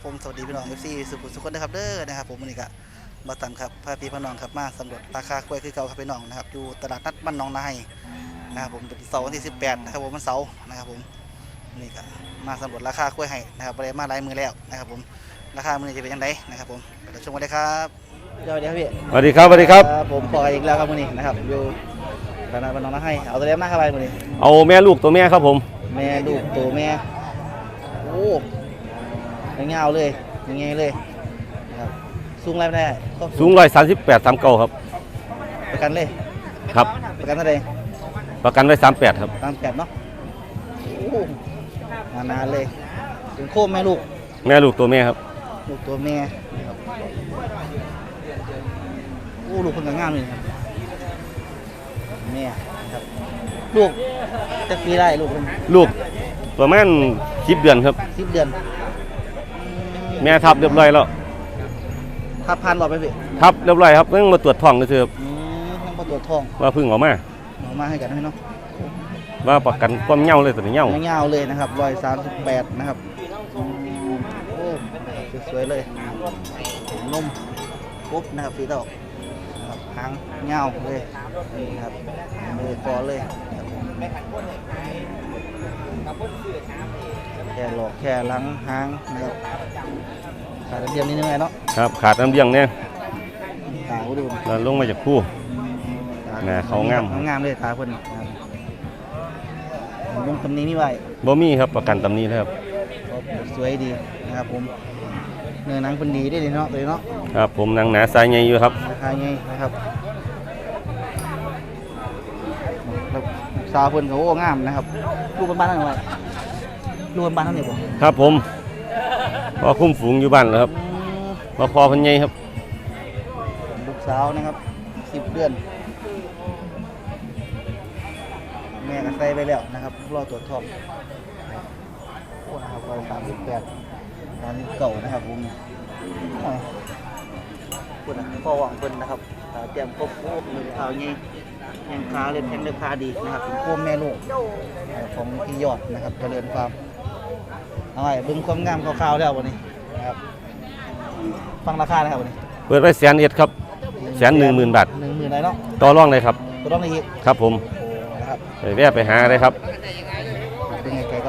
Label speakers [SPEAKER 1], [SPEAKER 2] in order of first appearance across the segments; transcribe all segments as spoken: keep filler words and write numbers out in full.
[SPEAKER 1] ผมสวัสดีพี่น้องเอฟซีสุขุมสุขคนนะครับเด้อนะครับผมวันนี้ก็มาตามครับพาพี่พี่น้องครับมาสำรวจราคากล้วยคือเก่าครับพี่น้องนะครับอยู่ตลาดนัดบ้านหนองนายนะครับผมเป็นเสาร์วันที่สิบแปดนะครับผมมันเสาร์นะครับผมนี่ก็มาสำรวจราคากล้วยให้นะครับประเดี๋ยวมาหลายมือแล้วนะครับผมราคามือนี้จะเป็นยังไงนะครับผมเดี๋ยวชมกันเลยครับสวัสดีครับพี่
[SPEAKER 2] สวัสดีครับสวัสดีครับ
[SPEAKER 1] ผมปออีกแล้วครับมือนี้นะครับอยู่ตลาดบ้านหนองนายเอาตัวเล็กมากครับไปมือนี้
[SPEAKER 2] เอาแม่ลูกตัวแม่ครับผม
[SPEAKER 1] แม่ลูกตัวแม่โอ้ยเงาเลยยังไงเลยนะครับสูงอะไรไม่ได้ก็
[SPEAKER 2] สูงร้อยสามสิบแปดสามเก้าครับ
[SPEAKER 1] ประกันเลย
[SPEAKER 2] ครับ
[SPEAKER 1] ประกันเท่าไหร่
[SPEAKER 2] ประกันไว้สามแปดครับ
[SPEAKER 1] ตามแปดเนาะโอ้นานๆเลยถึงโคมแม่ลูก
[SPEAKER 2] แม่ลูกตัวแม่ครับ
[SPEAKER 1] ลูกตัวแม่นะครับโอ้ลูกคนงามเลยครับแม่ครับลูกจะปีได้ลูก
[SPEAKER 2] ลูกประมาณสิบเดือนครับ
[SPEAKER 1] สิบเดือน
[SPEAKER 2] แม่ทับเรียบร้อยแล้ว
[SPEAKER 1] ทับพันหลอดไปพี่
[SPEAKER 2] ทับเรียบร้อยครับเพิ่งมาตรวจท้องเลยครับ
[SPEAKER 1] อืมต้องประตรวจทอง
[SPEAKER 2] ว่าเพิ่งออกมา
[SPEAKER 1] เอามาให้กันให้เนาะ
[SPEAKER 2] ว่าประกันความเหย้าเลยตัวนี้เหย้า
[SPEAKER 1] เงาๆเลยนะครับร้อยสามสิบแปดนะครับโอ้สวยๆเลยนุ่มปุ๊บนะครับสีดอกนะครับหางเงาเลยนี่นะครับเลยคอเลยแค่หลอกแค่หลังหางนะครับขาดเดียมนิดนึงไงเนาะ
[SPEAKER 2] ครับขาดน้ำเลี้ยงเนี่ย
[SPEAKER 1] ตาดู
[SPEAKER 2] แล้วลงมาจากคู่ แหม่เขางาม
[SPEAKER 1] งามเลยตาเพิ่นนะครับลุงตำนี้นี่ไว้
[SPEAKER 2] บ่มีครับประกันตำนี้แล้วครับ
[SPEAKER 1] สวยดีนะครับผมเนื้อหนังเป็นดีได้เลยเนาะตัวนี้เนาะ
[SPEAKER 2] ครับผมนางหนาสายใหญ่อยู่ครับ
[SPEAKER 1] ราคาไงนะครับแล้วสาวเพิ่นเขาโอ้งามนะครับลูกบ้านๆนั่นไว้ลูกบ้านๆนั่นนี่บ่
[SPEAKER 2] ครับผมพอคุ้มฝูงอยู่บ้านแล้วครับ
[SPEAKER 1] อืม
[SPEAKER 2] พอพอพันใหญ่ครับ
[SPEAKER 1] ลูกสาวนะครับสิบเดือนแม่ก็ใส่ไปแล้วนะครับรอตรวจทองโอ้นะครับร้อยสามสิบแปดตอนนี้เก่านะครับผมโอ้ยพูดนะพ่อหวังเพิ่นนะครับอ่าเตรียมครบโอ้มือเท้านี่แข้งขาเล็บแข้งเล็บขาดีนะครับเป็นโคมแม่ลูกอ่าของพี่ยอดนะครับเจริญฟาร์มเอาไว้เบิ่งความงามคร่าวๆแล้ววันนี้นะครับฟังราคานะครับวันนี้
[SPEAKER 2] เปิดไว้แสนเอ็ดครับแสนหนึ่งหมื่นบาท
[SPEAKER 1] หนึ่งหมื่นอะไรเนาะ
[SPEAKER 2] ต่อรองเลยครับ
[SPEAKER 1] ตัวต้องในฮิต
[SPEAKER 2] ครับผม
[SPEAKER 1] โอ้นะครับ
[SPEAKER 2] ไปแวะไปหาเลยครับ
[SPEAKER 1] เป็นไงไก่ก็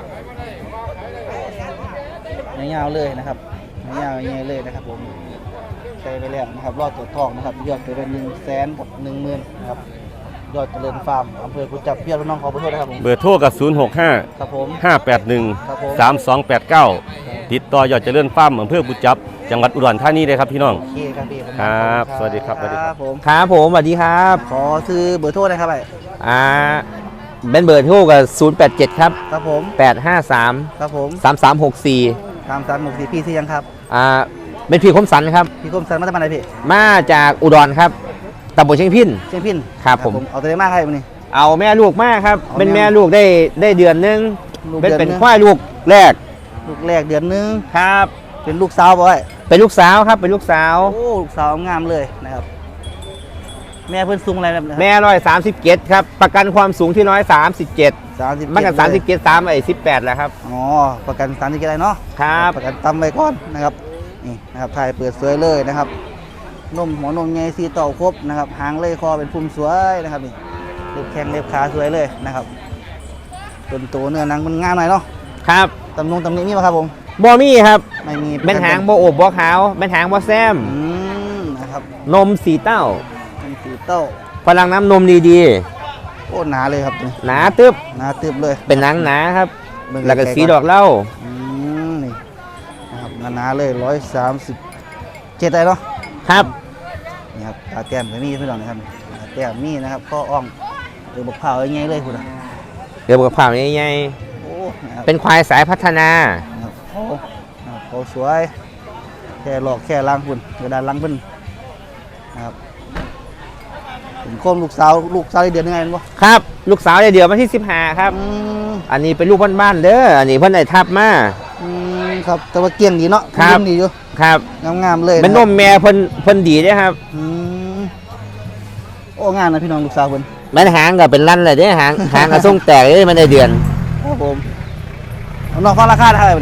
[SPEAKER 1] ยาวๆเลยนะครับยาวๆยังไงเลยนะครับผมใส่ไปแล้วนะครับรอดตัวทองนะครับยอดไปเป็นหนึ่งแสนกับหนึ่งหมื่นนะครับยอดเจริญฟาร์มอำเภอกุจับพี่น้องขอขอโทษนะครับผม
[SPEAKER 2] เบอร์โทรกับศูนย์ หก ห้า
[SPEAKER 1] ครับผม
[SPEAKER 2] ห้า แปด หนึ่ง
[SPEAKER 1] ครับผม
[SPEAKER 2] สาม สอง แปด เก้า ติดต่อยอดเจริญฟาร์มอำเภอบุจับจังหวัดอุดรธานีเลยครับพี่น้อง
[SPEAKER 1] โอเคครับพี่ผม
[SPEAKER 2] ครับสวัสดีครับสวัสดีครับ
[SPEAKER 1] ผม
[SPEAKER 3] ครับผมสวัสดีครับ
[SPEAKER 1] ขอซื้อเบอร์โทษนะครับไป
[SPEAKER 3] อ่าเป็นเบอร์โทรกับศูนย์ แปด เจ็ด ครับ
[SPEAKER 1] ครับผม
[SPEAKER 3] แปด ห้า สาม
[SPEAKER 1] ครับผม
[SPEAKER 3] สาม สาม หก สี่
[SPEAKER 1] ตามสามหกสี่พี่ที่ยังครับ
[SPEAKER 3] อ่าเป็นพี่คมสันครับ
[SPEAKER 1] พี่กรมสันมาจากไหนพี่
[SPEAKER 3] มาจากอุดรครับตำบลเชียงพิน
[SPEAKER 1] เชียงพิน
[SPEAKER 3] ครับผม
[SPEAKER 1] เอาตัวเลขมากให้วันนี้
[SPEAKER 3] เอาแม่ลูกมากครับ
[SPEAKER 1] เอาแม่
[SPEAKER 3] เป็นแม่ลูกได้ได้เดือนหนึง
[SPEAKER 1] ลูก
[SPEAKER 3] เป็น
[SPEAKER 1] เดือน
[SPEAKER 3] เป็น
[SPEAKER 1] หนึ่ง
[SPEAKER 3] ควายลูกแรก
[SPEAKER 1] ลูกแรกเดือนหนึง
[SPEAKER 3] ครับ
[SPEAKER 1] เป็นลูกสาวบ่อย
[SPEAKER 3] เป็นลูกสาวครับเป็นลูกสาว
[SPEAKER 1] โอ้ลูกสาวงามเลยนะครับ แม่เพิ่นสูงอะไรแบบ
[SPEAKER 3] แม่ร้อยสามสิบเจ็ดครับประกันความสูงที่น้อยสามสิบเจ็ด
[SPEAKER 1] สามสิบ
[SPEAKER 3] มันกันสามสิบเจ็ดสามไอ้สิบแปดแหละครับ
[SPEAKER 1] อ๋อประกันสามสิบอะไรเนาะ
[SPEAKER 3] ครับ
[SPEAKER 1] ประกันตำไว้ก่อนนะครับนี่นะครับถ่ายเปิดสวยเลยนะครับนมหัวนมใหญ่สีเต่าครบนะครับหางเลยคอเป็นพุ่มสวยนะครับนี่เล็บแข้งเล็บขาสวยเลยนะครับต้นโตเนื้อหนังมันงามหน่อยเนาะ
[SPEAKER 3] ครับ
[SPEAKER 1] ตำนงตำหนิมีไหมครับผม
[SPEAKER 3] บอมี่ครับ
[SPEAKER 1] ไม่มี
[SPEAKER 3] เป็นหางโบโอบบ่ขาวเป็นหางบ่แซม
[SPEAKER 1] อืมนะครับ
[SPEAKER 3] นมสีเต้า
[SPEAKER 1] เป็นสีเต้า
[SPEAKER 3] พลังน้ำนมดี
[SPEAKER 1] โอ้หนาเลยครับตัวนี้
[SPEAKER 3] ๆ หนาตึบ
[SPEAKER 1] หนาตึบเลย
[SPEAKER 3] เป็นหนังหนาครับ
[SPEAKER 1] เบิ่ง
[SPEAKER 3] แล้วก็
[SPEAKER 1] ไๆ
[SPEAKER 3] สีดอกเหล้า
[SPEAKER 1] อืมนี่นะครับหนาๆเลยร้อยสามสิบเจ็ดได้เนาะ
[SPEAKER 3] ครับ
[SPEAKER 1] นี่ครับตาแก้มก็มีพี่น้องนะครับตาแก้มมีนะครับข้ออ่องเดือบกเผาอย่างเงี้ยเลยคุณอะ
[SPEAKER 3] เดี๋ยวกับผ่าใหญ่
[SPEAKER 1] โอ้นะครับ
[SPEAKER 3] ๆเป็นควายสายพัฒนา
[SPEAKER 1] นะครับโอ้นะครับเขาสวยแค่หลอกแค่ล้างคุณกระดานล้างเพิ่นนะครับเป็นโคมลูกสาวลูกสาวได้เดือนยังไงบ่
[SPEAKER 3] ครับ ลูกสาวเดี๋ยวมาที่สิบห้าครับ
[SPEAKER 1] อืม
[SPEAKER 3] อันนี้เป็นลูกบ้านๆเด้ออันนี้เพิ่นได้ทับมา
[SPEAKER 1] อืมครับแต่ว่าเกี่ยงดีเนาะ
[SPEAKER 3] ครับ
[SPEAKER 1] เกี่ยงดีอยู่
[SPEAKER 3] ครับ
[SPEAKER 1] งามๆเลย
[SPEAKER 3] เป็นนมแม่เพิ่นเพิ่นดีเด้อครับ
[SPEAKER 1] อืมโอ้งามนะพี่น้องลูกสาวเพิ่น
[SPEAKER 3] แม่นหางก็เป็นลั่นเลยเด้อหางหางก็ทรงแตกเด้อมันได้เดือน
[SPEAKER 1] ครับผมเอาน้องฟังราคาเท่าไหร่บ่นี่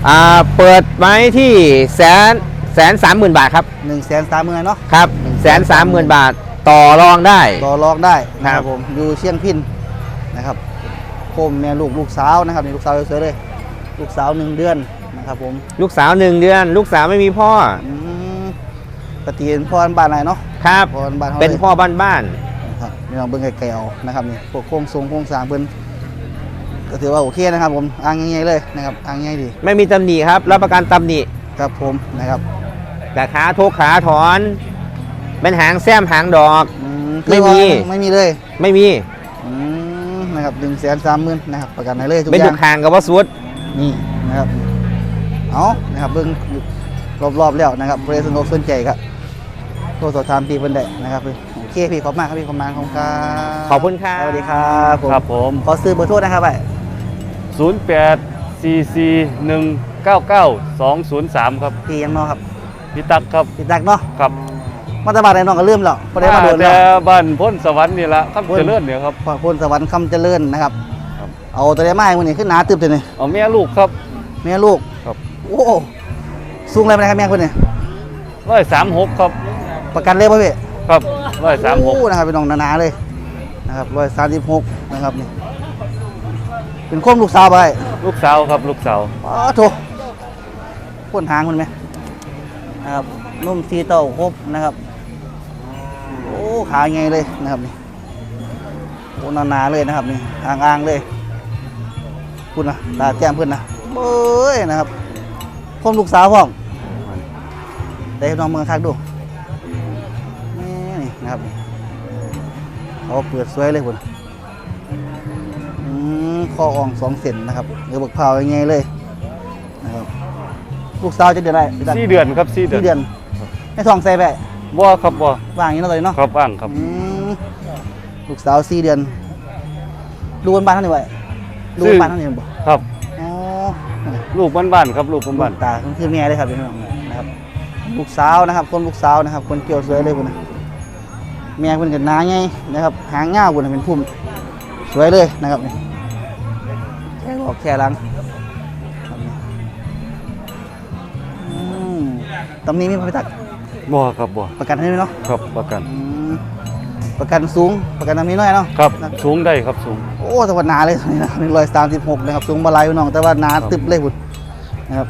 [SPEAKER 3] อ่าเปิดไว้ที่แสนแสนสามหมื่นบาทครับ
[SPEAKER 1] หนึ่งแสนสามหมื่นเนาะ
[SPEAKER 3] ครับแสนสามหมื่นบาทต่อรองได้
[SPEAKER 1] ต่อรองได้นะค
[SPEAKER 3] ครั
[SPEAKER 1] รับบ ผมอยู่เชียงพินนะครับโคมแม่ลูกลูกสาวนะครับนี่ลูกสาวสวยๆเลยลูกสาวหนึ่งเดือนนะครับผม
[SPEAKER 3] ลูกสาวหนึ่งเดือน ลูกสาวไม่มีพ่อ
[SPEAKER 1] อืมปฏิเป็นพ่อบ้านไหนเนาะ
[SPEAKER 3] ครับ
[SPEAKER 1] พ่อบ้านเขา
[SPEAKER 3] เป็น
[SPEAKER 1] ลย
[SPEAKER 3] พ่อบ้าน
[SPEAKER 1] นะครับนี่เราเบิ่งไก่ๆเอานะครับนี่พวกโครงทรงโครงสร้างเพิ่นก็ถือว่าโอเคนะครับผมอ่างง่ายๆเลยนะครับอ่างง่ายดี
[SPEAKER 3] ๆไม่มีตำหนิครับรับประกันตำหนิ
[SPEAKER 1] ครับผมนะครับ
[SPEAKER 3] แต่ขาทุกขาถอน เป็นหางแซมหางดอก
[SPEAKER 1] อื
[SPEAKER 3] ไม่มี
[SPEAKER 1] ไม่มีเลย
[SPEAKER 3] ไม่มี
[SPEAKER 1] อืมนะครับหนึ่งแสนสามหมื่นนะครับประกันให้เลยทุก
[SPEAKER 3] เป็น
[SPEAKER 1] อ
[SPEAKER 3] ทุ
[SPEAKER 1] ย่าง
[SPEAKER 3] กหางกับว่าสุด
[SPEAKER 1] นี่นะครับเอานะครับเบิ่งรอบๆแล้วนะครับเรสนุกสนใจครับโทรสอบถามพี่เพิ่นได้นะครับโอเคพี่ขอบคุณมากครับพี่ขอบคุณมากของครับ
[SPEAKER 3] ขอบคุณครับ
[SPEAKER 1] สวัสดีครับผม
[SPEAKER 2] ครับผม
[SPEAKER 1] ขอซื้อเบอร์โทรนะครับไป
[SPEAKER 2] ศูนย์แปด สี่ สี่ หนึ่ง เก้า เก้า สอง ศูนย์ สาม ครับ
[SPEAKER 1] พี่ยังเนอครับ
[SPEAKER 2] พี่ตักครับ
[SPEAKER 1] พี่ตักเนาะ
[SPEAKER 2] ครับ
[SPEAKER 1] มาตะบาดไหนน้องก็เริ่มแล้วพอได้มาโดน
[SPEAKER 2] แต่
[SPEAKER 1] แล้ว
[SPEAKER 2] บ้านพ้นสวรรค์นี่ละครับเจริญเนี่ยครับ
[SPEAKER 1] พอพลสวรรค์คำเจริญนะครับ
[SPEAKER 2] ครับ
[SPEAKER 1] เอาตัวได้ไม้วันนี้ขึ้นหนาตึบเลยนี่
[SPEAKER 2] เอาแม่ลูกครับ
[SPEAKER 1] แม่ลูก
[SPEAKER 2] ครับ
[SPEAKER 1] โอ้สูงอะไรไปนะครับแม่คนนี้
[SPEAKER 2] ร้อยสามหกครับ
[SPEAKER 1] ประกันเลยป่ะพี่
[SPEAKER 2] ครับร้อยสามหก
[SPEAKER 1] โอ้นะครับเป็นน้องหนาๆเลยนะครับร้อยสามสิบหกนะครับนี่เป็นข้อมลูกสาวไป
[SPEAKER 2] ลูกสาวครับลูกสาว
[SPEAKER 1] อ๋อโถพ่นหางมันไหมนะครับนุ่มซีเต้าครบนะครับโอ้ขาไงเลยนะครับนี่โอ้หนาๆเลยนะครับนี่อ่างๆเลยคุณนะตาแจ่มเพื่อนนะเบ้ยนะครับข้อมลูกสาวพ่อมได้ให้น้องเมืองคักดูนี่นี่นะครับเขาเปิดสวยเลยคุณอืมคออ่องสองเซนนะครับเดี๋ยวบักเผายังไงเลยนะครับลูกสาวจะเดือนอะไรพี่ตั๊ก
[SPEAKER 2] สี่เดือนครับสี่เดือน
[SPEAKER 1] สี่เดือนให้ทองใส่ไป
[SPEAKER 2] บ่ครับบ่
[SPEAKER 1] ว่างอย่างนี้เนาะเลยเนาะ
[SPEAKER 2] ครับว่างครับ
[SPEAKER 1] อืมลูกสาวสี่เดือนลูกบ้านๆเท่านี้ไว้ลูกบ้านๆเท่านี้บ่
[SPEAKER 2] ครับ
[SPEAKER 1] อ๋อ
[SPEAKER 2] ลูกบ้านๆครับลูกบ้าน
[SPEAKER 1] ตาคือแม่เลยครับพี่น้องนะครับลูกสาวนะครับคนลูกสาวนะครับคนเกี่ยวสวยเลยคุณนะแม่คนกันหนาไงนะครับหางง่าคุณเป็นพุ่มสวยเลยนะครับนี่แค่ออกแค่หลังครับนี่อืมตำนี้มีพระพิทักษ์
[SPEAKER 2] ๆบ่ครับบ่
[SPEAKER 1] ประกันให้ไหมเนาะ
[SPEAKER 2] ครับประกัน
[SPEAKER 1] อืมประกันสูงประกันตำนี้น้อยเนาะ
[SPEAKER 2] ครับสูงได้ครับสูง
[SPEAKER 1] โอ้แต่ว่าหนาเลยนะหนึ่งร้อยสามสิบหกนะครับสูงบาลายพี่น้องแต่ว่าหนา
[SPEAKER 2] ครับ
[SPEAKER 1] ตึบเลยคุณนะครับ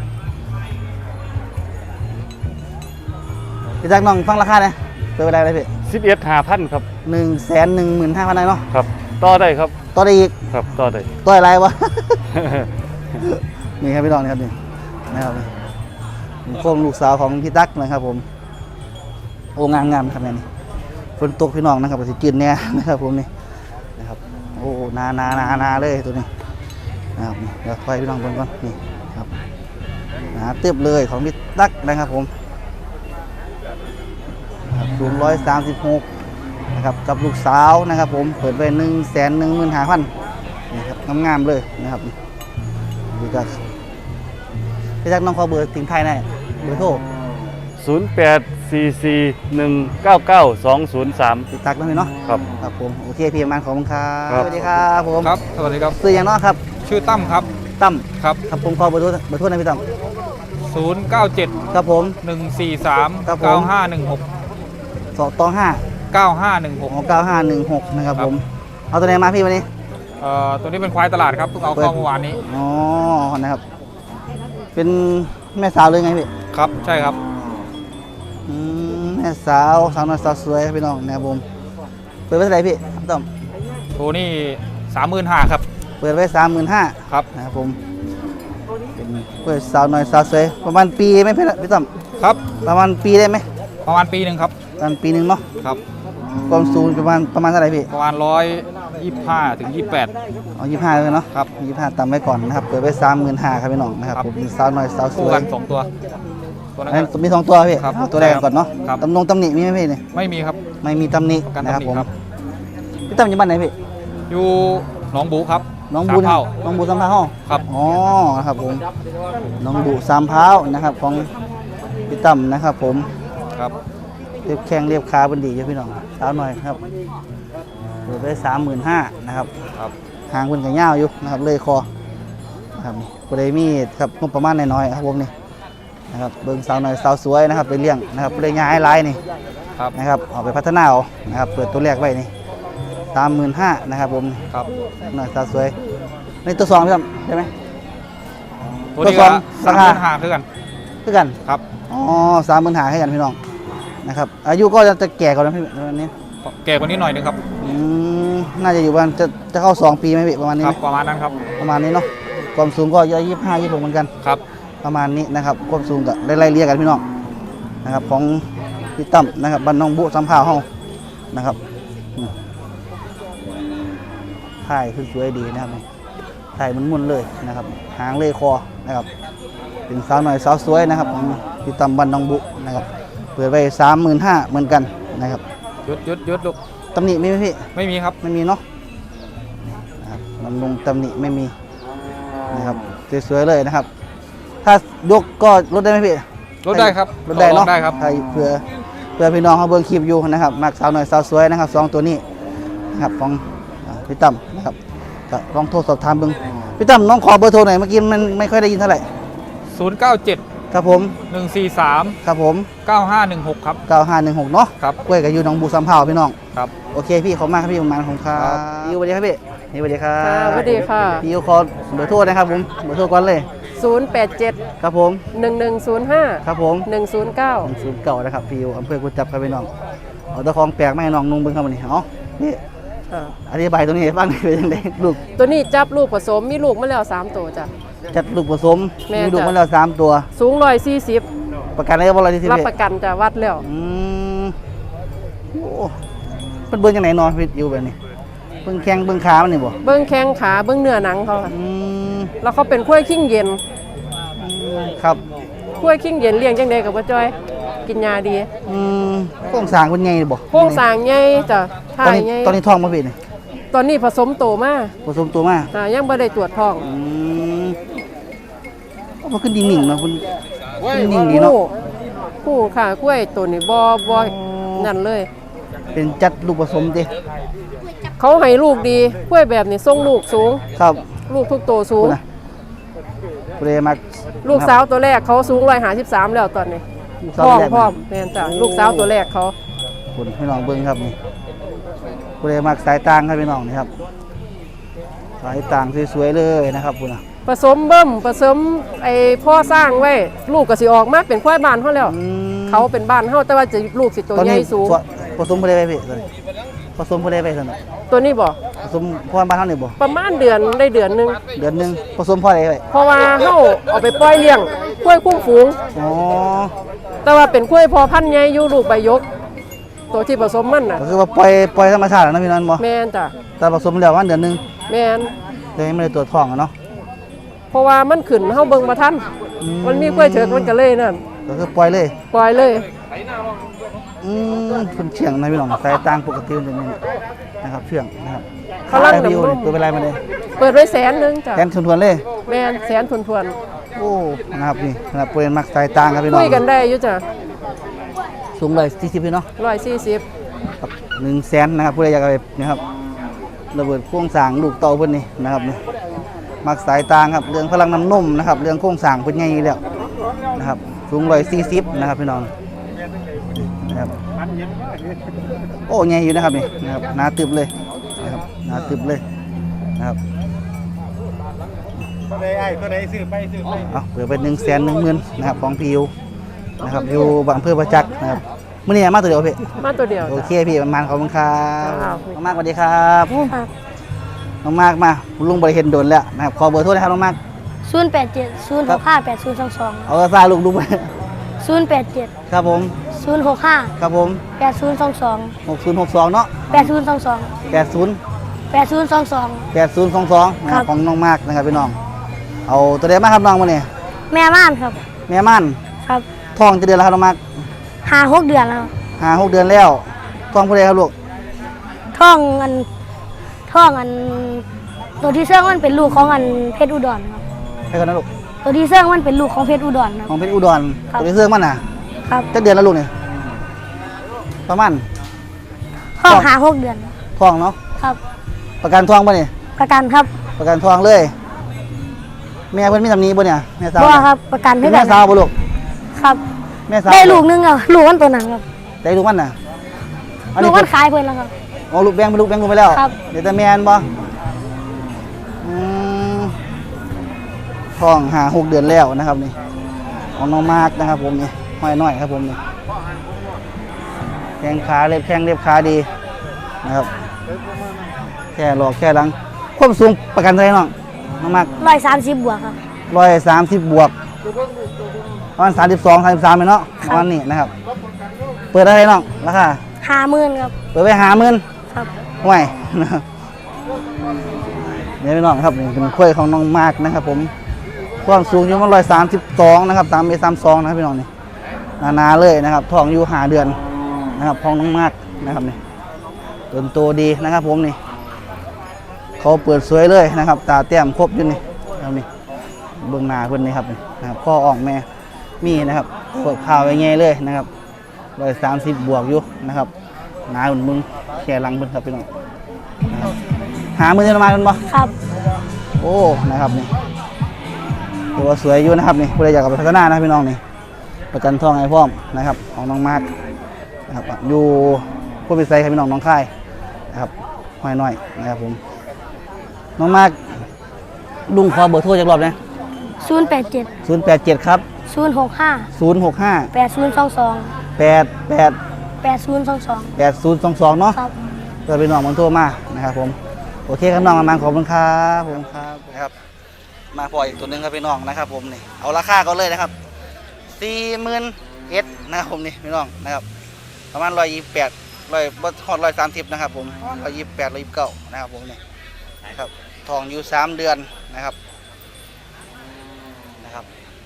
[SPEAKER 1] พี่จักน้องฟังราคาเนี่ยเปิดไปได้เลยพี่
[SPEAKER 2] สิบเอ็ดห้าพันครับ
[SPEAKER 1] หนึ่งแสนหนึ่งหมื่นห้าพันได้เนาะ
[SPEAKER 2] ครับต่อได้ครับ
[SPEAKER 1] ต่อได้อีก
[SPEAKER 2] ครับต่อได้
[SPEAKER 1] ต่ออะไรวะ นี่ครับพี่น้องนี่ครับนี่นะครับนี่โคมลูกสาวของพี่ตั๊กนะครับผมโอ้งามงามครับแม่นี่ฝนตกพี่น้องนะครับก็สิจืดแน่นะครับผมนี่นะครับโอ้นานานานาเลยตัวนี้นะครับนี่เดี๋ยวค่อยพี่น้องเบิ่งก่อนนี่ครับหนาตึบเลยของพี่ตั๊กนะครับผมนะครับสูงร้อยสามสิบหกนะครับกับลูกสาวนะครับผมเปิดไปหนึ่งแสนหนึ่งหมื่นห้าพันนี่ครับงามๆเลยนะครับดีจังพี่ตั๊กน้องขอเบอร์ทิ้งท้ายหน่อยเบอร์โทร
[SPEAKER 2] ศูนย์ แปด สี่ สี่ หนึ่ง เก้า เก้า สอง ศูนย์ สาม
[SPEAKER 1] พี่ตั๊กนั่นเองเนาะ
[SPEAKER 2] ครับ
[SPEAKER 1] ครับผมโอเคพี่ประมาณขอบคุณครับ
[SPEAKER 2] ครับ
[SPEAKER 1] สวัสดีครับผม
[SPEAKER 4] ครับ สวัสดีครับ
[SPEAKER 1] ซื้ออย่างเน้อครับ
[SPEAKER 4] ชื่อตั้มครับ
[SPEAKER 1] ตั้ม
[SPEAKER 4] ครับ
[SPEAKER 1] ครับผมขอเบอร์โทรเบอร์โทรหนะพี่ตั้ม
[SPEAKER 4] ศูนย์ เก้า เจ็ด
[SPEAKER 1] ครับผม
[SPEAKER 4] หนึ่ง สี่ สาม
[SPEAKER 1] ครับผม
[SPEAKER 4] เก้า ห้า หนึ่ง หก
[SPEAKER 1] สองตองห้า
[SPEAKER 4] เก้า ห้า หนึ่ง หก
[SPEAKER 1] ของเก้าห้าหนึ่งหกนะครับ
[SPEAKER 4] ครับ
[SPEAKER 1] ผมเอาตัวไหนมาพี่วันนี้
[SPEAKER 4] เอ่อ ตัวนี้เป็นควายตลาดครับเพิ่งเอาเข้าเมื่อวานนี้
[SPEAKER 1] อ๋อนะครับ เป็นแม่สาวเลยไงพี่
[SPEAKER 4] ครับ ใช่ครับ
[SPEAKER 1] อืมแม่สาวสาวน้อยสาวสวยครับพี่น้องนะครับผมเปิดไว้เท่าไหร่พี่พี่ตั้ม
[SPEAKER 4] ตัวนี้สามหมื่นห้าครับ
[SPEAKER 1] เปิดไว้สามหมื่นห้า
[SPEAKER 4] ครับ
[SPEAKER 1] นะครับผมเป็นเปิดสาวน้อยสาวสวยประมาณปีไหมพี่พี่ตั้ม
[SPEAKER 4] ครับ
[SPEAKER 1] ประมาณปีได้ไหม
[SPEAKER 4] ประมาณปีหนึ่งครับ
[SPEAKER 1] ประมาณปีหนึ่งเนาะ
[SPEAKER 4] ครับ
[SPEAKER 1] ความสูงประมาณประมาณเท่าไหร่พี่
[SPEAKER 4] ประมาณร้อยยี่สิบห้าถึงยี่สิบแปด
[SPEAKER 1] เอายี่ห้าเลยเนาะ
[SPEAKER 4] ครับ
[SPEAKER 1] ยี่ห้าตามไว้ก่อนนะครับ เปิดไว้สามหมื่นห้าครับพี่น้องนะครับ
[SPEAKER 4] ครับ
[SPEAKER 1] ผมเป็นสาวน้อยสาวส
[SPEAKER 4] คู่
[SPEAKER 1] วย
[SPEAKER 4] กันสองตัว ตัวนั้น
[SPEAKER 1] อัน
[SPEAKER 4] ก็
[SPEAKER 1] นี้มีสองตัวพี่
[SPEAKER 4] ครับ
[SPEAKER 1] เอาตัวแรกก่อนเนาะ
[SPEAKER 4] ครับ
[SPEAKER 1] ตำนงตำหนิมีไหมพี่เนี่ย
[SPEAKER 4] ไม่มีครับ
[SPEAKER 1] ไม่มีตำหนิ
[SPEAKER 4] กัน
[SPEAKER 1] นะครับ
[SPEAKER 4] ตำหนิ
[SPEAKER 1] ผม
[SPEAKER 4] ครับ
[SPEAKER 1] พี่ตั้มอยู่บ้านไหนพี่
[SPEAKER 4] อยู่หนองบูครับ
[SPEAKER 1] น้องบู
[SPEAKER 4] สามเท่า
[SPEAKER 1] น้องบูสามพร้าว
[SPEAKER 4] ครับ
[SPEAKER 1] อ๋อนะครับผมน้องบูสามพร้าวนะครับของพี่ตั้มนะครับผม
[SPEAKER 4] ครับ
[SPEAKER 1] เรียบแข้งเรียบขาเป็นดีอยู่พี่น้องสาวหน่อยครับเปิดไว้สามหมื่นห้านะครับ
[SPEAKER 4] ครับ
[SPEAKER 1] หางเป็นกระเงาวอยู่นะครับเลยคอนะครับนี่บริมีครับงบประมาณน้อยๆครับผมนี่นะครับเบิ่งสาวน้อยสาวสวยนะครับไปเลี้ยงนะครับเลยย้ายไล่นี่
[SPEAKER 4] ครับ
[SPEAKER 1] นะครับเอาไปพัฒนาเอานะครับเปิดตัวแรกไว้นี่สามหมื่นห้านะครับผม
[SPEAKER 4] ครับ
[SPEAKER 1] น้อยสาวสวยในตัวสองพี่ครับใช่ไหม
[SPEAKER 4] ตัวนี้
[SPEAKER 1] ตัว
[SPEAKER 4] ก็
[SPEAKER 1] สอง
[SPEAKER 4] สาม
[SPEAKER 1] รา
[SPEAKER 4] ห
[SPEAKER 1] คา
[SPEAKER 4] มื่นห้าคือกัน
[SPEAKER 1] คือกัน
[SPEAKER 4] ครับ
[SPEAKER 1] อ๋อสามหมื่นหาให้กันพี่น้องนะครับอายุก็จะแก่กว่านั้นพี่วันนี้
[SPEAKER 4] แก่กว่านี้หน่อยนึงครับ
[SPEAKER 1] อืมน่าจะอยู่ประมาณจะจะเข้าสองปีไหมพี่ประมาณนี้
[SPEAKER 4] ค
[SPEAKER 1] ไห
[SPEAKER 4] รั
[SPEAKER 1] ม
[SPEAKER 4] บประมาณนั้นครับ
[SPEAKER 1] ประมาณนี้เนาะความสูงก็ยี่สิบห้ายี่สิบหกเหมือนกัน
[SPEAKER 4] ครับ
[SPEAKER 1] ประมาณนี้นะครับความสูงก็ไล่ๆเรียกกันพี่น้องนะครับของพี่ตั้มนะครับบ้านน้องบุสัมภาวเฮานะครับอืมถ่ายคือสวยดีนะครับถ่ายมันมุนๆเลยนะครับหางเลอยคอนะครับเป็นสาวหน่อยสาวสวยนะครับของพี่ตั้มบ้านน้องบุนะครับเปิดไปสามหมื่นห้าเหมือนกันนะครับ
[SPEAKER 4] หยุดหยุดหยุดลูก
[SPEAKER 1] ตำหนิมีไหมพี่
[SPEAKER 4] ไม่มีครับ
[SPEAKER 1] ไม่มีเนาะนะครับบำรุงตำหนิไม่มีนะครับสวยๆเลยนะครับ ถ้ายกก็ลดได้ไหมพี่
[SPEAKER 4] ลดได้ครับ
[SPEAKER 1] ลดได้
[SPEAKER 4] ต่อรอ
[SPEAKER 1] เนาะ
[SPEAKER 4] งได้ครับ
[SPEAKER 1] ใครเพื่อเพื่อพี่น้องเขาเบิ่งคลิปอยู่นะครับมักสาวหน่อยสาวสวยนะครับสองตัวนี้นะครับของอ่าพี่ตั้มนะครับก็ลองโทรสอบถามเบิ่งพี่ตั้มน้องขอเบอร์โทรหน่อยเมื่อกี้มันไม่ค่อยได้ยินเท่าไหร่
[SPEAKER 4] ศูนย์เก้าเจ็ด
[SPEAKER 1] ครับผม
[SPEAKER 4] หนึ่งสี่สาม
[SPEAKER 1] ครับผม
[SPEAKER 4] เก้าห้าหนึ่งหกครับ
[SPEAKER 1] เก้าห้าหนึ่งหกเนาะ
[SPEAKER 4] ครับ
[SPEAKER 1] กล้วยกับยูหน้องบูสัมภาวพี่น้อง
[SPEAKER 4] ครับ
[SPEAKER 1] โอเคพี่ขอบคุณมากครับพี่ประมาณของครับพี่ยูสวัสดีครับพี่นี่สวัสดีครับ
[SPEAKER 5] ค่ะสวัสดีค่ะ
[SPEAKER 1] พี่ยูขอเบอร์โทรนะครับผมเบอร์โทรก่อนเลย
[SPEAKER 5] ศูนย์ แปด เจ็ด
[SPEAKER 1] ครับผม
[SPEAKER 5] หนึ่ง หนึ่ง ศูนย์ ห้า
[SPEAKER 1] ครับผม
[SPEAKER 5] หนึ่ง ศูนย์ เก้า
[SPEAKER 1] ศูนย์เก่านะครับพี่ยูอำเภอกุจจับครับพี่น้องเอาตะของแปลกมาให้น้องนุ่งเบิ่งครับวันนี้เอานี่
[SPEAKER 5] อ่า
[SPEAKER 1] อธิบายตรงนี้ให้ฟังหน่อยเป็นยังไงลูก
[SPEAKER 5] ตัวนี้จับลูกผสมมีลูกมาแล้วสามตัวจ้ะ
[SPEAKER 1] จัดลูกผสม
[SPEAKER 5] แม่
[SPEAKER 1] มีลูก
[SPEAKER 5] จ้ะ
[SPEAKER 1] มาแล้วสามตัว
[SPEAKER 5] สูงร้อยสี่สิบ
[SPEAKER 1] ประกันได้บ่ร้อยที่สิบ
[SPEAKER 5] รับ
[SPEAKER 1] เอ็ด
[SPEAKER 5] ประกันจะวัดแล้ว
[SPEAKER 1] อืมโอ้เป็นเบิ่งจังไหนเนอนพี่ยูแบบนี้เบิ่งแข้งเบิ่งขามันนี่บ่
[SPEAKER 5] เบิ้งแข้งขาเบิ้งเนื้อหนังเขาค่ะ
[SPEAKER 1] อืม
[SPEAKER 5] แล้วเขาเป็นกล้วยขิ้งเย็น
[SPEAKER 1] ครับ
[SPEAKER 5] กล้วยขิ้งเย็นเลี้ยงจังใดกับว่าจ้อย กินยาดี
[SPEAKER 1] อืมโครงสร้างเป็นไงบ่
[SPEAKER 5] โครงสร้างใหญ่จ้ะ
[SPEAKER 1] ต
[SPEAKER 5] ท่า
[SPEAKER 1] อนนี้
[SPEAKER 5] ใหญ่
[SPEAKER 1] ตอนนี้ท้องมาพี่นี่
[SPEAKER 5] ตอนนี้ผสมโตมา
[SPEAKER 1] ผสมตัวมา
[SPEAKER 5] อ่ายังบ่ได้ตรวจท้อง
[SPEAKER 1] อืมโอ้มันขึ้นดิ่งๆเนาะคุณขึ้นดิ่งดีเนาะ
[SPEAKER 5] ผู้ผู้ค่ะกล้วยตัวนี้บ่บ่นั่นเลย
[SPEAKER 1] เป็นจัดลูกผสมดิ
[SPEAKER 5] เขาให้ลูกดีกล้วยแบบนี้ส่งลูกสูง
[SPEAKER 1] ครับ
[SPEAKER 5] ลูกทุกตัวสูง
[SPEAKER 1] คุณนะเปรมัก
[SPEAKER 5] ลูกสาวตัวแรกเขาสูงร้อยหาสิบสามแล้วตอนนี้
[SPEAKER 1] ลูก
[SPEAKER 5] พ
[SPEAKER 1] สาว
[SPEAKER 5] ร้อม
[SPEAKER 1] แรก
[SPEAKER 5] พร้อมแม่นจ้ะลูกสาวตัวแรกเขา
[SPEAKER 1] คุณพี่น้องเบิ้งครับนี่เปรมักสายต่างครับพี่น้องนี่ครับสายต่างสวยๆเลยนะครับคุณนะ
[SPEAKER 5] ผสมเบิ่มผสมไอ้พ่อสร้างไว้ ลูกก็สิออกมาเป็นควายบ้านเขาแล้ว
[SPEAKER 1] อืม
[SPEAKER 5] เขาเป็นบ้านเขาแต่ว่าจะลูกสิตัว
[SPEAKER 1] ตอน
[SPEAKER 5] ใหญ่
[SPEAKER 1] นี้
[SPEAKER 5] สูง
[SPEAKER 1] ผสมผู้ใดไปพี่ตอนนี้ผสมผู้ใดไปตอนนี้
[SPEAKER 5] ตัวนี้บ่
[SPEAKER 1] ผสมพ่อบ้านเฮานี่บ่
[SPEAKER 5] ประมาณเดือนได้เดือนหนึง
[SPEAKER 1] เดือนหนึงผสมพ่อใดไป
[SPEAKER 5] เพราะว่าเขาเอาไปปล่อยเลี้ยงกล้วยคุ้มฝูง
[SPEAKER 1] อ๋อ
[SPEAKER 5] แต่ว่าเป็นกล้วยพอพันธุ์ใหญ่อยู่ลูกใบยก ตัวที่ผสมมันน่ะ
[SPEAKER 1] ก็คือว่าปล่อยปล่อยธรรมชาติแล้วนะพี่น้องบ่
[SPEAKER 5] แม่นจ้ะ
[SPEAKER 1] แต่ผสมแล้ววันเดือนหนึง
[SPEAKER 5] แม่น
[SPEAKER 1] เลยไม่ได้ตรวจท้องอะเนาะ
[SPEAKER 5] เพราะว่ามันขึ้นเฮาเบิ่งบ่ทัน
[SPEAKER 1] อื
[SPEAKER 5] มันมีกล้วยเถิกมันก็เลยนั่น
[SPEAKER 1] ก็คือปล่อยเลย
[SPEAKER 5] ปล่อยเลย
[SPEAKER 1] อืมคุณเชียงนะพี่น้องสายต่างปกติมันจะนี่นะครับเชียงนะครับ
[SPEAKER 5] เขาลั่ง
[SPEAKER 1] ขยไปอยู่
[SPEAKER 5] น้ำนม
[SPEAKER 1] ตัวเป็นไรมาเลย
[SPEAKER 5] เปิดไว้แสนหนึงจ้ะ
[SPEAKER 1] แกนชนทวนเลย
[SPEAKER 5] แม่นแสนทวนทวน
[SPEAKER 1] โอ้นะครับนี่นะครับเป็นมักสายต่างครับพี่น้อง
[SPEAKER 5] คุยกันได้อยู่จ้ะ
[SPEAKER 1] สูงเลยสี่สิบพี่เนาะ
[SPEAKER 5] ร้อยสี่สิบ
[SPEAKER 1] ครับหนึ่งแสนนะครับผู้ใดอยากเอาไปนะครับระเบิดโครงสร้างลูกเต่าเพิ่นนี่นะครับนี่มักสายต่างครับเรื่องพลังน้ำนมนะครับเรื่องโครงสร้างเพิ่นใหญ่อยู่แล้วนะครับสูงร้อยสี่สิบนะครับพี่น้องนะครับโอ้ใหญ่อยู่นะครับนี่นะครับหนาตึบเลยนะครับหนาตึบเลยนะครับเอาเปิดเป็นหนึ่งแสนหนึ่งหมื่นนะครับของพียูนะครับอยู่บางอำเภอประจักษ์นะครับมื่อนี้มาตัวเดียวพี่
[SPEAKER 5] มาตัวเดียว
[SPEAKER 1] โอ
[SPEAKER 5] จ้ะ
[SPEAKER 1] เคพี่ประมาณขอบคุณครับ
[SPEAKER 5] ครับ
[SPEAKER 1] น้องมากสวัสดีครับน้องมากมาลุงบริเห็นโดนแล้วนะครับขอเบอร์โทรนะครับน้องมาก
[SPEAKER 6] ศูนย์แปดเจ็ดศูนย์หกห้าแปดศูนย์สองสอง
[SPEAKER 1] เอาซาลุงลุงไป
[SPEAKER 6] ศูนย์แปดเจ็ด
[SPEAKER 1] ครับผม
[SPEAKER 6] ศูนย์หกห้า
[SPEAKER 1] ครับผม
[SPEAKER 6] แปดศูนย์สองสอง
[SPEAKER 1] หกศูนย์หกสองเนาะ
[SPEAKER 6] แปดศูนย์สองสอง
[SPEAKER 1] แปดศูนย์
[SPEAKER 6] แปดศูนย์สองสอง
[SPEAKER 1] แปดศูนย์สองสองนะค
[SPEAKER 6] ครั
[SPEAKER 1] รับบ ของน้องมากนะครับพี่น้องเอาตัวเดียวมาครับน้องมาเนี่ย
[SPEAKER 6] แม่ม่านครับ
[SPEAKER 1] แม่ม่าน
[SPEAKER 6] ครับ
[SPEAKER 1] ท้องจะเดือนแล้วครับน้องมาก
[SPEAKER 6] หาหกเดือนแล้ว
[SPEAKER 1] ห้าหกเดือนแล้วท้องผู้ใดครับลูก
[SPEAKER 6] ท่องอันท่องอัน ตัวที่เสื่องมันเป็นลูกของอันเพชรอุดรครับ
[SPEAKER 1] ให้กันนะลูก
[SPEAKER 6] ตัวที่เสื่องมันเป็นลูกของเพชรอุดรครับ
[SPEAKER 1] ของเพชรอุดร
[SPEAKER 6] ครับ
[SPEAKER 1] ตัวนี้เสื้อมันน่ะ
[SPEAKER 6] ครับ
[SPEAKER 1] จะเดือนแล้วลูกเนี่ยประมาณ
[SPEAKER 6] ท่อง
[SPEAKER 1] ครับ
[SPEAKER 6] หาหกเดือน
[SPEAKER 1] ท้องเนาะ
[SPEAKER 6] ครับ
[SPEAKER 1] ประกันท้องป่ะเนี่ย
[SPEAKER 6] ประกันครับ
[SPEAKER 1] ประกันท้องเลยแม่เพิ่นมีตำหนิบ่เนี่ยแม่สาว
[SPEAKER 6] บ่ครับประกัน
[SPEAKER 1] เป็
[SPEAKER 6] ให้
[SPEAKER 1] น
[SPEAKER 6] กั
[SPEAKER 1] แม่
[SPEAKER 6] น
[SPEAKER 1] สาวบ่ลูก
[SPEAKER 6] ครับ
[SPEAKER 1] แม่สาว
[SPEAKER 6] ได้ลูกหนึงอ่ะลูกมันตัวนั้นครับ
[SPEAKER 1] ได้ลูกมันน่ะอัน
[SPEAKER 6] ลู
[SPEAKER 1] นี้
[SPEAKER 6] กมันขายเพิ่นแล้วครับ
[SPEAKER 1] อ๋อลูกแบงค์เป็นลูกแบงค์กูไปแล้ว
[SPEAKER 6] ครับ
[SPEAKER 1] เดี๋ยวแต่แม่นบ่อืมท้องหาหกเดือนแล้วนะครับนี่ของน้องมาร์กนะครับผมนี่ห้อยน้อยครับผมนี่แข้งขาเล็บแข้งเล็บขาดีนะครับแค่หลอกแค่หลังความสูงประกันเท่าไหร่น้องน้องมาร์ก
[SPEAKER 6] ร้อยสามสิบบวกครับ
[SPEAKER 1] ร้อยสามสิบบวกประมาณสามสิบสองสามสิบสามเลยเนาะประมาณนี้นะครับ เปิดอะไรน้องราคา
[SPEAKER 6] ห้าหมื่นครับ
[SPEAKER 1] เปิดไปหาหมื่น
[SPEAKER 6] ครับ
[SPEAKER 1] ห่วยนะครับนี่พี่น้องครับนี่เป็นกล้วยของน้องมากนะครับ ผมความสูงอยู่ประมาณร้อยสามสิบสองนะครับตามเมตรสามสองนะครับพี่น้องนี่หนาๆเลยนะครับท้องอยู่หาเดือนนะครับของน้องมากนะครับนี่ต้นโตดีนะครับ ผมนี่เขาเปิดสวยเลยนะครับ ตาแต้มครบอยู่นี่นะครับนี่เบื้องหน้าเพื่อนนี่ครับนี่นะครับข้ออ่องแม่มีนะครับเปิดข่าวไว้ไงเลยนะครับร้อยสามสิบบวกอยู่นะครับหนาหุ่นมึงแค่หลังเพิ่นครับพี่น้องนะครับหามือจะมากันบ่
[SPEAKER 6] ครับ
[SPEAKER 1] โอ้นะครับนี่ตัวสวยอยู่นะครับนี่ผู้ใดอยากเอาไปพัฒนานะพี่น้องนี่ประกันทองไอ้พร้อมนะครับของน้องมาร์คนะครับอยู่ผู้พิเศษครับพี่น้องน้องค่ายนะครับห้อยน้อยนะครับผมน้องมาร์คลุงขอเบอร์โทรจากรอบนะ
[SPEAKER 6] ศูนย์แปดเจ็ด
[SPEAKER 1] ศูนย์แปดเจ็ดครับ
[SPEAKER 6] ศูนย์หกห้า
[SPEAKER 1] ศูนย์หกห้า
[SPEAKER 6] แปดศูนย์สองสอง
[SPEAKER 1] แปดแปด
[SPEAKER 6] แปดศูนย์สองสอง
[SPEAKER 1] แปดศูนย์สองสองเนาะ
[SPEAKER 6] ครับ
[SPEAKER 1] เพื่อพี่น้องมันโทรมานะครับผมโอเคครับน้องมาขอบคุณครับผมครับนะครับมาพออีกตัวหนึงครับพี่น้องนะครับผมนี่เอาราคาก็เลยนะครับสี่หมื่นเอ็ดนะครับผมนี่พี่น้องนะครับประมาณร้อยยี่สิบแปดร้อยบทอดร้อยสามสิบนะครับผมร้อยยี่สิบแปดร้อยยี่สิบเก้านะครับผมนี่นะครับทองอยู่สามเดือนนะครับนะครับ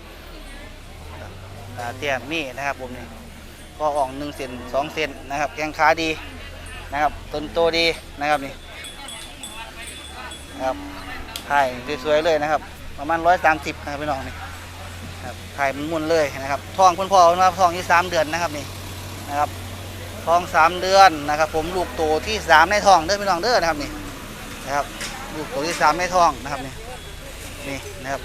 [SPEAKER 1] ตาเตี้ยมีนะครับผมนี่ก็อ่องหนึ่งเซนสองเซนนะครับแข้งขาดีนะครับต้นโตดีนะครับนี่นะครับถ่ายสวยๆเลยนะครับประมาณร้อยสามสิบนะครับพี่น้องนี่ครับถ่ายมันมุนเลยนะครับทองคุณพ่อนะครับทองที่สามเดือนนะครับนี่นะครับทองสามเดือนนะครับผมลูกโตที่สามในทองเด้อพี่น้องเด้อนะครับนี่นะครับลูกโตที่สามในทองนะครับนี่นี่นะครับ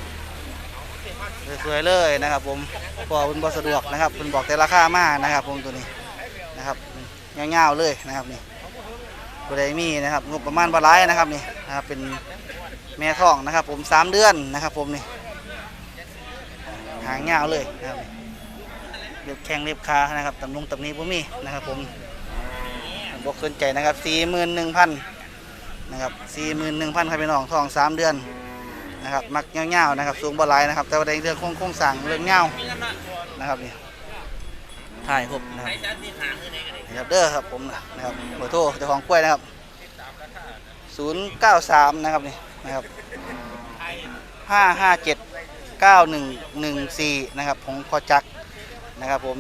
[SPEAKER 1] สวยๆเลยนะครับผมพ่อคุณบอสะดวกนะครับคุณบอกแต่ราคามานะครับผมตัวนี้นะครับเงาๆเลยนะครับนี่บริมีนะครับงบประมาณบาลายนะครับนี่นะครับเป็นแม่ท้องนะครับผมสามเดือนนะครับผมนี่หางเงาเลยนะครับเรียบแข้งเรียบขานะครับตำลงตำนี้ผมมีนะครับผมบอกสนใจนะครับสี่หมื่นหนึ่งพันนะครับสี่หมื่นหนึ่งพันครับพี่น้องท้องสามเดือนนะครับมักเงาๆนะครับสูงบาลายนะครับแต่ว่าในเรื่องโครงสร้างเรื่องเงานะครับนี่ถ่ายครบนะครับนะครับเด้อครับผมนะครับเบอร์โทรเจ้าของกล้วยนะครับศูนย์เก้าสามนะครับนี่นะครับห้าห้าเจ็ดเก้าหนึ่งหนึ่งสี่นะครับของพ่อจักรนะครับผม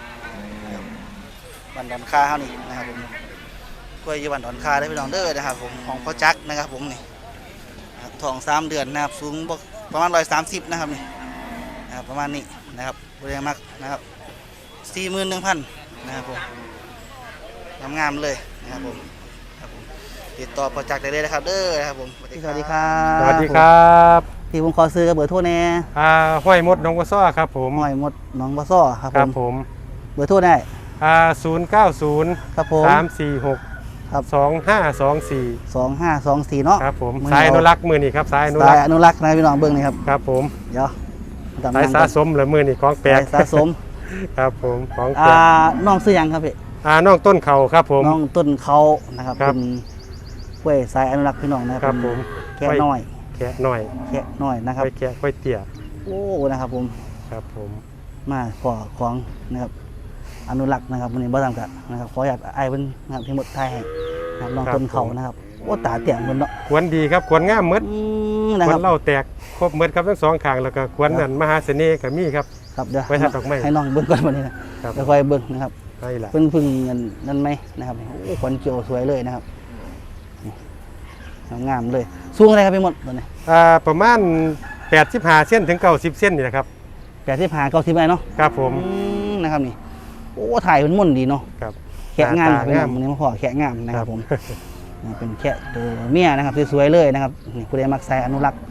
[SPEAKER 1] บันดอนคาเท่านี้นะครับผมกล้วยอยู่บันดอนคาได้พี่น้องเด้อนะครับผมของพ่อจักรนะครับผมนี่ทองสามเดือนนะครับสูงประมาณร้อยสามสิบนะครับนี่นะครับประมาณนี้นะครับบริเวณมักนะครับสี่หมื่นหนึ่งพันนะครับผมงามๆเลยนะครับผมครับผมติดต่อโปรเจกต์ได้เลยนะครับเด้อนะครับผมสวัสดีครับ
[SPEAKER 7] สวัสดีครับ
[SPEAKER 1] ที่ผมขอซื้อกับเบอร์โทรแน่
[SPEAKER 7] อ่าห้อยมดน้องวัวซ้อครับผม
[SPEAKER 1] หอยหมดหน้องบะซ้อครับ
[SPEAKER 7] ค
[SPEAKER 1] ผ
[SPEAKER 7] รับ
[SPEAKER 1] ม
[SPEAKER 7] ผม
[SPEAKER 1] เบอร์โทรได้
[SPEAKER 7] อ่าศูนย์เก้าศูนย์
[SPEAKER 1] ครับผม
[SPEAKER 7] สามสี่หก
[SPEAKER 1] ครับ
[SPEAKER 7] สองห้าสองสี่
[SPEAKER 1] สองห้าสองสี่เนาะ
[SPEAKER 7] ครับผม
[SPEAKER 1] มื
[SPEAKER 7] สายอนุรักษ์มือนี่ครับสายอนุ
[SPEAKER 1] สา
[SPEAKER 7] รั
[SPEAKER 1] ย
[SPEAKER 7] กษ์
[SPEAKER 1] อนุรักษ์นะพี่น้องเบิ้งนี่ครับ
[SPEAKER 7] ครับผม
[SPEAKER 1] เดี๋ยวจำ
[SPEAKER 7] สาย
[SPEAKER 1] นำ
[SPEAKER 7] สะ
[SPEAKER 1] ก่อน
[SPEAKER 7] สมหรือมือนี่ของแปล
[SPEAKER 1] สาก ยสะสม
[SPEAKER 7] ครับผมของแปล
[SPEAKER 1] อ่าก น้องซื้อยังครับพี่
[SPEAKER 7] อ่าน้องต้นเขาครับผม
[SPEAKER 1] น้องต้นเขานะครับ
[SPEAKER 7] ครับ
[SPEAKER 1] เป็นกล้วยสายอนุรักษ์พี่น้องนะค
[SPEAKER 7] ครั
[SPEAKER 1] รับบ
[SPEAKER 7] ผม
[SPEAKER 1] แค่น้อย
[SPEAKER 7] แขะหน่อย
[SPEAKER 1] แค่น้อยนะครับ
[SPEAKER 7] ไว้แขะไว้เตี่ย
[SPEAKER 1] โอ้นะครับผม
[SPEAKER 7] ครับผม
[SPEAKER 1] มาขอของนะครับอนุรักษ์นะครับวันนี้บ่ทำกันนะครับขออยากไอ้เพิ่นนะครับที่หมดไทยให้นะครับน้องต้นเขานะครับโอ้ตาเตี่ยงเพิ่นเนาะ
[SPEAKER 7] ขวนดีครับขวนงามหมด
[SPEAKER 1] อืมนะ
[SPEAKER 7] ขว
[SPEAKER 1] ครั
[SPEAKER 7] น
[SPEAKER 1] บ
[SPEAKER 7] เหล่าแตกครบหมดครับทั้งสองข้างแล้วก็ขวนนั่นมหาเสน่ห์กับมีครับ
[SPEAKER 1] ครับเดี๋ยว
[SPEAKER 7] ไว้ทัดดอกไม้
[SPEAKER 1] ให้น้องเบิ่งก่อนวันนี้นะครับ เดี๋ยวค่อยเบิ่งนะครับ
[SPEAKER 7] ใช่ละ
[SPEAKER 1] เพิ่งพึ่งเงินนั่นไหมนะครับโอ้ขวัญเกี่ยวสวยเลยนะครับนี่งามเลยสูงอะไรครับพี่หมดตัวนี้
[SPEAKER 7] อ่าประมาณแปดสิบห้าเส้นถึงเก้าสิบเส้นนี่นะครับ
[SPEAKER 1] แปดสิบห้าเก้าสิบไร่เนาะ
[SPEAKER 7] ครับผม
[SPEAKER 1] อืมนะครับนี่โอ้ถ่ายเป็นม่วนดีเนาะ
[SPEAKER 7] ครับ
[SPEAKER 1] แขะงาม
[SPEAKER 7] ตา
[SPEAKER 1] พี่น้อง
[SPEAKER 7] งาม
[SPEAKER 1] วันนี้มาขอแขะงามนะครับผม นี่เป็นแขะตัวเมียนะครับสวยๆเลยนะครับนี่ผู้ใดมักใส่อนุรักษ์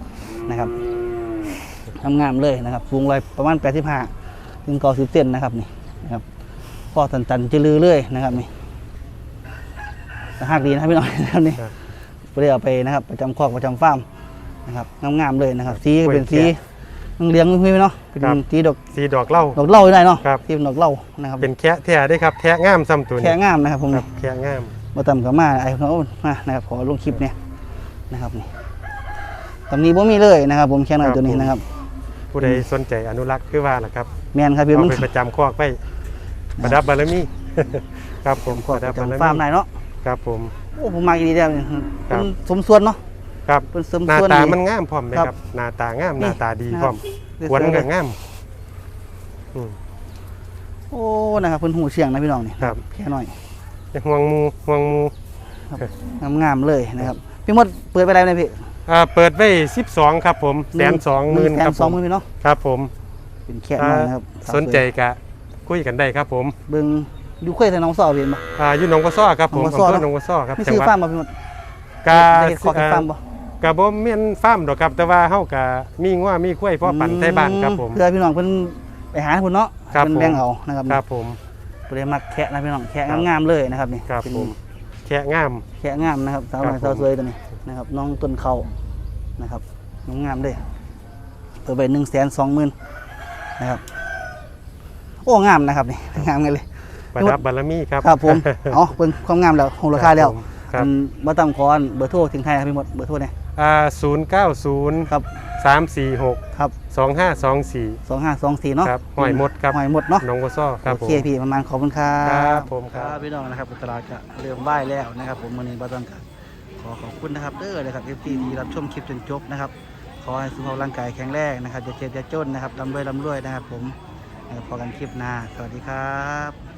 [SPEAKER 1] นะครับงามๆเลยนะครับสูงเลยประมาณแปดสิบห้าถึงเก้าสิบเซนนะครับนี่นะครับพ่อตันตันจะลือเลยนะครับนี่หักดีนะครับพี่น้องนะครับนี่เพื่อเอาไปนะครับประจำคอกประจำฟาร์มนะครับงามๆเลยนะครับสีเป็นสีเลี้ยงพี่เนาะเป็นสีดอก
[SPEAKER 7] สีดอกเหล้า
[SPEAKER 1] ดอกเหล้าได้เนาะ
[SPEAKER 7] ครับ
[SPEAKER 1] ที่เป็นดอกเหล้านะครับ
[SPEAKER 7] เป็นแคะแท้ได้ครับแทะงามซ้ำตัวนี้
[SPEAKER 1] แค่งามนะครับผม
[SPEAKER 7] ครับแคะงาม
[SPEAKER 1] มาตำกับมาไอ้เขามานะครับขอลงคลิปเนี่ยนะครับนี่ตำนี้บ่มีเลยนะครับ ผมแค่นั้นตัวนี้นะครับ
[SPEAKER 7] ผู้ใดสนใจอนุรักษ์คือว่าล่ะครับ
[SPEAKER 1] แมนครับพี่
[SPEAKER 7] เอา
[SPEAKER 1] มัน
[SPEAKER 7] ไปประจำคอกไปประดับบารมี ครับผม
[SPEAKER 1] ขอ
[SPEAKER 7] ประดับบารมี
[SPEAKER 1] จำฟาร์มนายเนาะ
[SPEAKER 7] ครับผม
[SPEAKER 1] โอ้ผมมาอีกดีเดียวนี่
[SPEAKER 7] ครั
[SPEAKER 1] เป็
[SPEAKER 7] บ
[SPEAKER 1] นสมส่วนเนาะ
[SPEAKER 7] ครับ
[SPEAKER 1] เป็นสม
[SPEAKER 7] หน้า
[SPEAKER 1] ส่วน
[SPEAKER 7] ตา
[SPEAKER 1] ดี
[SPEAKER 7] มันงามพร้อมไหม
[SPEAKER 1] ครับ
[SPEAKER 7] ครับหน้าตางาม
[SPEAKER 1] นี่
[SPEAKER 7] หน้าตาดี
[SPEAKER 1] นะครับ
[SPEAKER 7] พร้อม
[SPEAKER 1] เดี๋ยว
[SPEAKER 7] ขวน
[SPEAKER 1] เสริม
[SPEAKER 7] ก็งามอืม
[SPEAKER 1] โอ้นะครับเพิ่นหูเชียงนะพี่น้องนี่
[SPEAKER 7] ครับ
[SPEAKER 1] แค่หน่อย
[SPEAKER 7] ห่วงหมูห่วงหมู
[SPEAKER 1] งามๆเลยนะครับพี่มดเปิดไปแล้วนะพี่
[SPEAKER 7] อ่าเปิดไว้สิบสองครับผมแสนสองหมื่น
[SPEAKER 1] แส
[SPEAKER 7] ครั
[SPEAKER 1] น
[SPEAKER 7] บ
[SPEAKER 1] ส
[SPEAKER 7] ผ
[SPEAKER 1] อง
[SPEAKER 7] ม
[SPEAKER 1] หมื่นพี่เนาะ
[SPEAKER 7] ครับผม
[SPEAKER 1] เป็นแค่น้อยนะครับ
[SPEAKER 7] อ่าสนใจกะคุยกันได้ครับผม
[SPEAKER 1] เบิ่งอยู่ค่อยแต่น้องสาวเห็นบ่
[SPEAKER 7] อ่าอยู่หนองกระซ้อครับผม
[SPEAKER 1] หนองกระซ้อ
[SPEAKER 7] อำเภอ
[SPEAKER 1] เนอะ
[SPEAKER 7] หนองกระซ้อครับ
[SPEAKER 1] มี
[SPEAKER 7] จัง
[SPEAKER 1] ซื้อ
[SPEAKER 7] หวัด
[SPEAKER 1] ฟาร์มบ่พี่มด
[SPEAKER 7] กา
[SPEAKER 1] ได้เฮ็ดคอกเฮ็ดฟาร์มบ่
[SPEAKER 7] กะบ่แม่นฟาร์มดอกครับแต่ว่าเฮากะมีงัวมีควายพ่อปั่นไทบ้านครับผม
[SPEAKER 1] เพื่อพี่น้องเพิ่นไปหาเพิ่นเนาะ
[SPEAKER 7] ครับ
[SPEAKER 1] เพิ่นแบ่งเอานะครับ
[SPEAKER 7] ครับผม
[SPEAKER 1] เพิ่นได้มักแคะนะพี่น้องแคะ
[SPEAKER 7] ครับ
[SPEAKER 1] งามๆเลยนะครับนี่
[SPEAKER 7] ครับ
[SPEAKER 1] เป็น
[SPEAKER 7] ผมแค่งาม
[SPEAKER 1] แคะงามนะครับสาวน้อย
[SPEAKER 7] ครั
[SPEAKER 1] สา
[SPEAKER 7] บ
[SPEAKER 1] ว
[SPEAKER 7] ผม
[SPEAKER 1] สวยตัวนี้นะครับน้องต้นเขานะครับงามๆเลยเปิดไป หนึ่งแสนสองหมื่น นะครับโอ้งามนะครับนี่งามกันเลย
[SPEAKER 7] ประดับบารมีครับ
[SPEAKER 1] ครับผม เอาเป็นความงามแล้วคงราคาแล้ว
[SPEAKER 7] ครับ
[SPEAKER 1] อันบ่ต่ำขออันเบอร์โทรถึงไทยครับพี่หมดเบอร์โทรเนี่ย
[SPEAKER 7] อ่าศูนย์เก้าศูนย์
[SPEAKER 1] ครับ
[SPEAKER 7] สามสี่หก
[SPEAKER 1] ครับ
[SPEAKER 7] สองห้าสองสี่
[SPEAKER 1] สองห้าสองสี่เนาะ
[SPEAKER 7] ครับหอยหมดครับ
[SPEAKER 1] หอยหมดเนาะ
[SPEAKER 7] หนองกระซ้อครับ
[SPEAKER 1] โอ
[SPEAKER 7] ผม
[SPEAKER 1] เคพี่ประมาณขอบคุณครั
[SPEAKER 7] ครับ บผมครับ
[SPEAKER 1] พี่น้องนะครับตลาดก็เริ่มบ่ายแล้วนะครับ ผมวันนี้บ่ต้องการขอขอบคุณนะครับเด้อนะครับ เอฟ ซี ที่รับชมคลิปจนจบนะครับขอให้สุขภาพร่างกายแข็งแรงนะครับอย่าเจ็บอย่าจนนะครับร่ำรวยร่ำรวยนะครับ ผมนะครับพอกันคลิปหน้าสวัสดีครับ